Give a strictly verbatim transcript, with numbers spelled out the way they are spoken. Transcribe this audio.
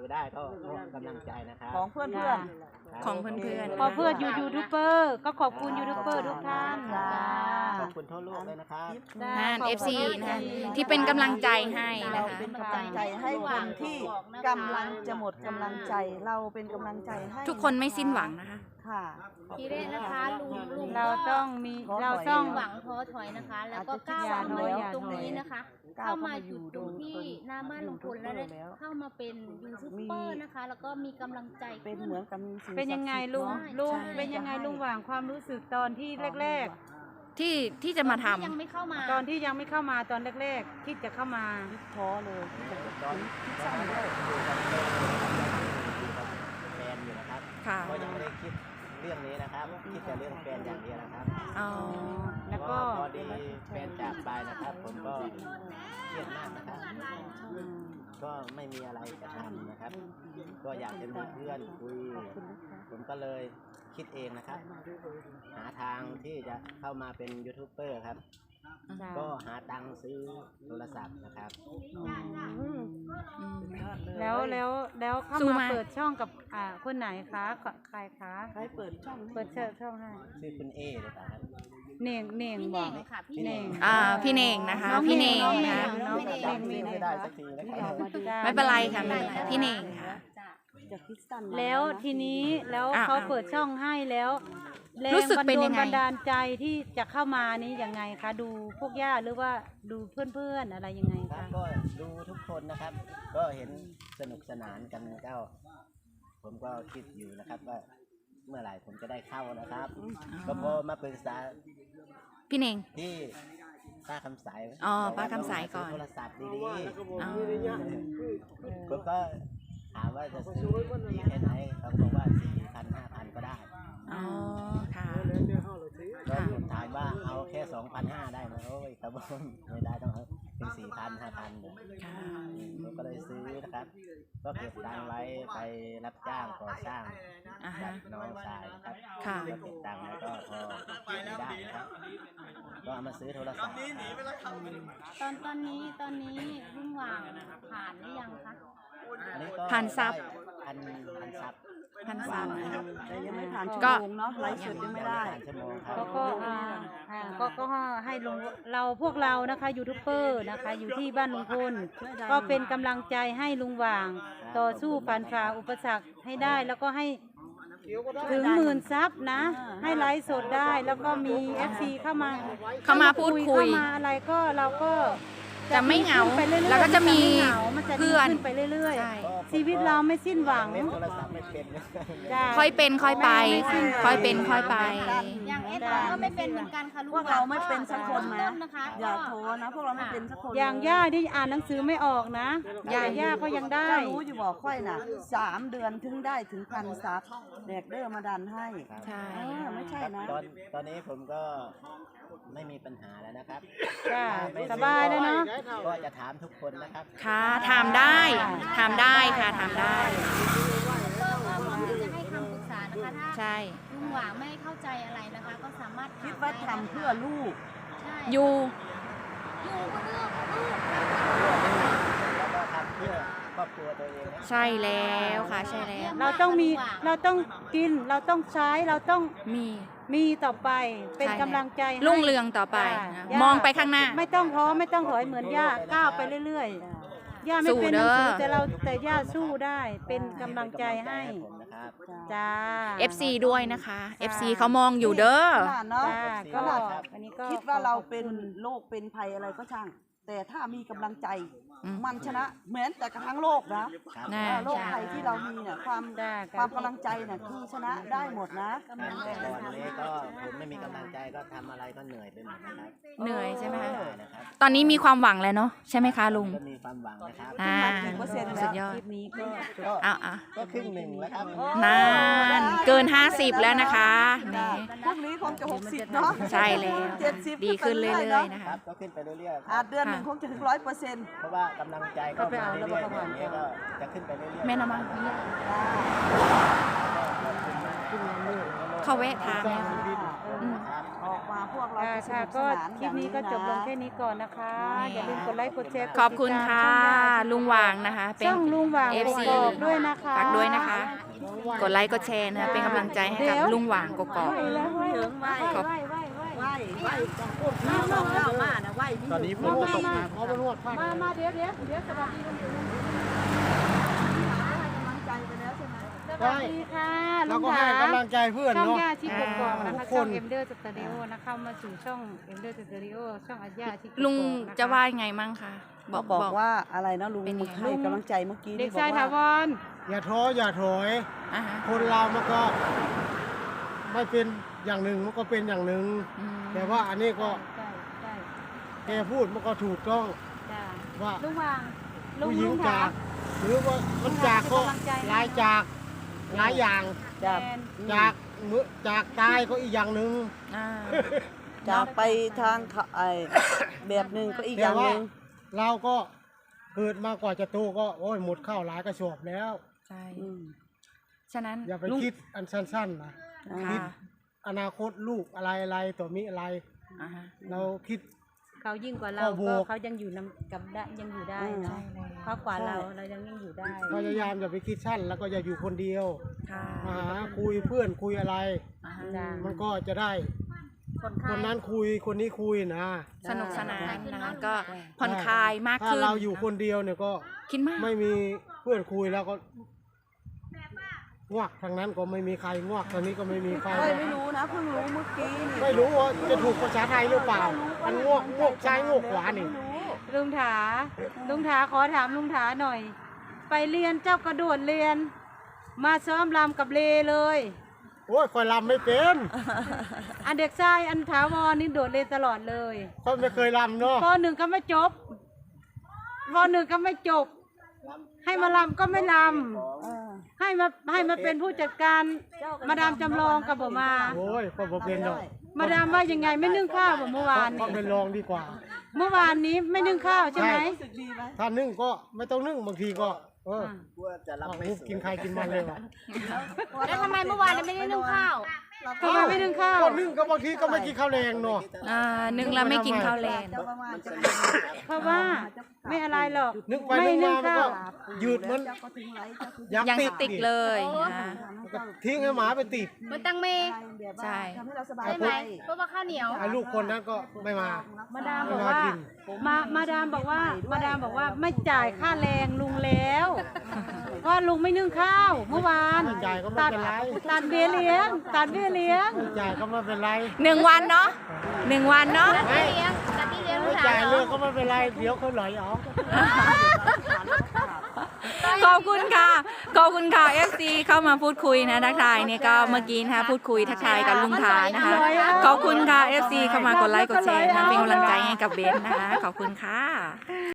อยู่ได้ก็กำลังใจนะครับของเพื่อนเพื่อนของเพื่อนเพื่อนขอเพื่อนยูทูบเบอร์ก็ขอบคุณยูทูบเบอร์ทุกท่านขอบคุณทั่วโลกเลยนะครับนั่น เอฟ ซี นะคะที่เป็นกำลังใจให้นะคะเป็นกำลังใจให้คนที่กำลังจะหมดกำลังใจเราเป็นกำลังใจให้ทุกคนไม่สิ้นหวังนะคะค่ะทีแรกนะคะลุงลุงเราต้องมีเราต้องหวังท้อถอยนะคะ แล้วก็ก้าวมาอยู่ตรงนี้นะคะเข้ามาอยู่ตรงที่หน้าบ้านลุงพลแล้วเข้ามาเป็นยูทูบเบอร์นะคะ แล้วก็มีกำลังใจเป็นเหมือนกับมีสิ่งเป็นยังไงลุงลุงเป็นยังไงลุงหว่างความรู้สึกตอนที่แรกๆที่ที่จะมาทำยังไม่เข้ามาตอนที่ยังไม่เข้ามาตอนแรกๆที่จะเข้ามาท้อเลยตอนคิดสั้นด้วยแฟนอยู่นะครับก็ยังไม่ได้คิดเรื่องนี้นะครับคิดแต่เรื่องแฟนอย่างเดียวนะครับอ๋อแล้วก็พอดีแฟนจากไปนะครับผมก็เครียดมากนะครับก็ไม่มีอะไรจะทำนะครับก็อยากจะมีเพื่อนคุยผมก็เลยคิดเองนะครับหาทางที่จะเข้ามาเป็นยูทูบเบอร์ครับก็หาตังค์ซื้อโทรศัพท์นะครับแล้วแล้วแล้วเข้ามาเปิดช่องกับอ่าคนไหนคะใครคะใครเปิดช่องเปิดช่องให้ชื่อคุณเอหรือเปล่าครับเน่งเน่งบอกพี่เน่งอ่าพี่เน่งนะคะพี่เน่งนะจำชื่อไม่ได้สักทีนะครับไม่เป็นไรค่ะไม่เป็นไรพี่เน่งค่ะแล้วทีนี้แล้วเขาเปิดช่องให้แล้วรู้สึกเป็นยังไงบันดาลใจที่จะเข้ามานี้ยังไงคะดูพวกญาติหรือว่าดูเพื่อนๆอะไรยังไงคะก็ดูทุกคนนะครับก็เห็นสนุกสนานกันก็ผมก็คิดอยู่นะครับว่าเมื่อไหร่ผมจะได้เข้านะครับก็พอมาปรึกษาพี่เน่งที่ป้าคำสายอ๋อป้าคำสายก่อนโทรศัพท์ดีๆผมก็ถามว่าจะซื้อดีแค่ไหนเขาบอกว่าสี่พันห้าพันก็ได้อ๋อค่ะก็ผมถามว่าเอาแค่สองพันห้าได้ไหมโอ้ยครับผมไม่ได้ต้องเอาเป็นสี่พันห้าพันผมก็เลยซื้อนะครับก็เก็บตังค์ไว้ไปรับจ้างก่อสร้างกับน้องชายนะครับก็เก็บตังค์แล้วก็พอไม่ได้นะครับก็เอามาซื้อโทรศัพท์ตอนตอนนี้ตอนนี้ลุงหว่างผ่านหรือยังคะผ่านซับพันพันซับพันซับแต่ยังไม่ผ่านชั่วโมงเนาะไลฟ์สดยังไม่ได้ก็ก็ก็ก็ให้ลุงเราพวกเรานะคะยูทูบเบอร์นะคะอยู่ที่บ้านลุงพลก็เป็นกำลังใจให้ลุงหว่างต่อสู้ผ่านฝ่าอุปสรรคให้ได้แล้วก็ให้ถึงหมื่นซับนะให้ไลฟ์สดได้แล้วก็มี เอฟ ซี เข้ามาเข้ามาพูดคุยเข้ามาอะไรก็เราก็จะไม่เหงาแล้วก็จะมีเพื่อนไปเรื่อยๆชีวิตเราไม่สิ้นหวังค่อยเป็นค่อยไปค่อยเป็นค่อยไปอย่างเอสเราก็ไม่เป็นเหมือนกันค่ะลูกพวกเราไม่เป็นสักคนนะอย่าโทษนะพวกเราไม่เป็นสักคนอย่างย่าที่อ่านหนังสือไม่ออกนะย่าย่าก็ยังได้รู้อยู่บอกค่อยน่ะสามเดือนถึงได้ถึงพันซับแดกเดอร์มาดันให้ใช่ไม่ใช่นะตอนตอนนี้ผมก็ไม่มีปัญหาแล้วนะครับสบายแล้วเนาะก็จะถามทุกคนนะครับค่ะถามได้ถามได้ค่ะถามได้ก็พร้อมที่จะให้คำปรึกษานะคะถ้าใช่ลุงหว่างไม่เข้าใจอะไรนะคะก็สามารถคิดว่าทำเพื่อลูกอยู่อยู่ก็เลือกลูกแล้วก็ทำเพื่อครอบครัวตัวเองใช่แล้วค่ะใช่แล้วเราต้องมีเราต้องกินเราต้องใช้เราต้องมีมีต่อไปเป็นกำลังใจรุ่งเรืองต่อไปมองไปข้างหน้าไม่ต้องท้อไม่ต้องถอยเหมือนย่าก้าวไปเรื่อยๆย่าไม่เป็นหนังสือแต่เราแต่ย่าสู้ได้เป็นกำลังใจให้จ้าเอฟ ซี ด้วยนะคะ เอฟ ซี เขามองอยู่เด้อก็อันนี้ก็คิดว่าเราเป็นโรคเป็นภัยอะไรก็ช่างแต่ถ้ามีกำลังใจมันชนะเหมือนแต่กระทั่งโลกนะโลกภัยที่เรามีเนี่ยความความกำลังใจเนี่ยคือชนะได้หมดนะตอนนี้ก็ผมไม่มีกำลังใจก็ทำอะไรก็เหนื่อยไปหมดนะครับเหนื่อยใช่ไหมคะตอนนี้มีความหวังแล้วเนาะใช่ไหมคะลุงก็มีความหวังนะครับอ่าสุดยอดคลิปนี้ก็อ่ะอ่ะก็ครึ่งหนึ่งแล้วครับนานเกินห้าสิบแล้วนะคะพรุ่งนี้คงจะหกสิบเนาะใช่แล้วดีขึ้นเรื่อยๆนะคะก็ขึ้นไปเรื่อยๆอาจเดือนหนึ่งคงจะถึงร้อยเปอร์เซ็นต์เพราะว่ากำลังใจก็มาเรื่อยๆอย่างนี้ก็จะขึ้นไปเรื่อยๆแม่น้ำมันเขาแวะทานแล้วอืมครับออกมาพวกเราค่ะจะสค่ะนุกสก็นานคลิปนี้ก็จบลงแค่นี้ก่อนนะคะ อย่าลืมกดไลค์กดแชร์กดขอบคุณติดตามค่ะช่องย่าลุงหวางนะคะเป็นช่องลุงหวางเอฟซีกอกๆด้วยนะคะฝากด้วยนะคะ กดไลค์กดแชร์นะคะเป็นกำลังใจให้กับลุงหวางกกอกไหวแล้วไหวเถิงไหวขอบไหวไหวไหวไหวต้องพูดมามามามานะไหวตอนนี้ฝนก็ตกมาเพราะมันนวดผ้ามามาเดี๋ยวเดี๋ยวเดี๋ยวสวัสดีลุงให้กำลังใจไปแล้วใช่ไหมสวัสดีค่ะลุเรางก็ถาให้กำลังใจเพื่อนช่องเนาะย่าชิกกอกๆนะทุคะกคช่อน งเอ็มเดอร์สตูดิโอนะเข้ามาสู่ช่องเอ็มเดอร์สตูดิโอช่องอาญาชิกกอกๆลุงนคจะว่ายังไงมั่งคะบบออก กบอกบอกว่าอะไรนะลุงเป็นยังไงให้กำลังใจเมื่อกี้เด็นี่กบอชายกถาว่าวรอย่าท้ออย่าถอยอ่าฮะคนเรามันก็ไม่เป็นอย่างหนึ่งมันก็เป็นอย่างหนึ่งอืมแต่ว่าอันนี้ก็ใช่ใช่แกพูดมันก็ถูกต้องจ้าว่าลุงวางลุงผู้หญิลุงงถาจาก หรือว่ามันจากก็หลายจากหลายอย่างจะแทนจากมือจากตายก็อีกอย่างหนึ่งอ่าจากไปทางเขาไอแบบหนึ่งก็อีกอแต่ย่างหว่านึ่งเราก็เกิดมากว่าจะโตก็โอ้ยหมดข้าวหลายกระสอบแล้วใช่อืมฉะนั้นอย่าไปลุงคิดอันสั้นๆนะค่ะอนาคตลูกอะไรอะไรตัวมีอะไรอ่าฮะเราคิดเขายิ่งกว่าเราข้อบูก็เขายังอยู่นำกับได้ยังอยู่ได้อืมเนาะเขากว่าเราเรายังยังอยู่ได้พยายามอย่าไปคิดสั้นแล้วก็อย่าอยู่คนเดียวค่ะมาหาคุยเพื่อนคุยอะไรอ่าฮะจ้ามันก็จะได้คนคไข้นนั้นคุยคนนี้คุยนะสนุกสนานใช่นะคะก็ผ่อนคลายมากถ้าขึ้นเราอยู่คนเดียวเนี่ยก็คิดมากไม่มีเพื่อนคุยแล้วก็งวกทางนั้นก็ไม่มีใครงวกทางนี้ก็ไม่มีใครเอ้ยไม่รู้นะเพิ่งรู้เมื่อกี้นี่ไม่รู้ว่าจะถูกภาษาไทยหรือเปล่าอันงวกงวกซ้ายงวกขวานี่ลุงถาลุงถาขอถามลุงถาหน่อย ไปเรียนเจ้ากระโดดเรียน มาซ้อมรำกับเลเลยโอ้ยคอยลำไม่เป็นอันเด็กชายอันถาวรนี่โดดเรียนตลอดเลยคอยไม่เคยลำเนาะปหนึ่งก็ไม่จบปหนึ่งก็ไม่จบ ให้มาลำก็ไม่ลเออำให้มาให้มาเป็นผู้จัดการมาดามจำลองกับผมมาโอ้ยคอยบ่เป็นดอกมาดามว่ายังไงไม่นึ่งข้าวแบบเมื่อวานก็นี้เป็นรองดีกว่าเมื่อวานนี้ไม่นึ่งข้าวใช่ไหมรู้สึกดีไหมถ้านึ่งก็ไม่ต้องนึ่งบางทีก็เออกลัวจะรับเอาไม่สวยกินใครกินมันเลยว่ะแล้วทำไมเมื่อวานไม่ได้นึ่งข้าวทำไมไม่นึ่งข้าวก็นึ่งก็บางทีก็ไม่กินข้าวแรงเนาะอ่านึงแล้วไม่กินข้าวแรงเจ้าประมาณจะเพราะว่าไม่อะไรหรอกนึกไปไม่นึกนึ่มาง มันข้าก็วยืดมันเจ้าก็ทิ้งไว้เจ้าคือยักยังติสดติกเลยนะแล้วก็ทิ้งให้หมาไปติดมันตังเมแบบว่าใช่ทำให้เราสบายใช่ใจไหมเพราะว่าข้าวเหนียวไอ้ลูกคนนั้นก็ไม่มามาดามบอกว่ามามาดามบอกว่ามาดามบอกว่าไม่จ่ายค่าแรงลุงแล้วเพราะลุงไม่นึ่งข้าว เมื่อวานไม่จ่ายก็ไม่ตัดเป็นไรตัดเบี้ยเลี้ยงตัดเบี้ยเลี้ยงไม่จ่ายก็ไม่เป็นไรหนึ่งวันเนาะหนึ่งวันเนาะกะทิเลี้ยงกะทิเลี้ยงลูไม่กสาจ่ายวเหรเรื่อองก็ไม่เป็นไรเดี๋ยวเขาไหลออกขอบคุณค่ะ ขอบคุณค่ะ เอฟ ซี เข้ามาพูดคุยนะทักทายเนี่ยก็เมื่อกี้นะคะพูดคุยทักทายกับลุงทานะคะ ขอบคุณค่ะ เอฟ ซี เข้ามากดไลค์กดแชร์นะเป็นกำลังใจให้กับเบนนะคะ ขอบคุณค่ะ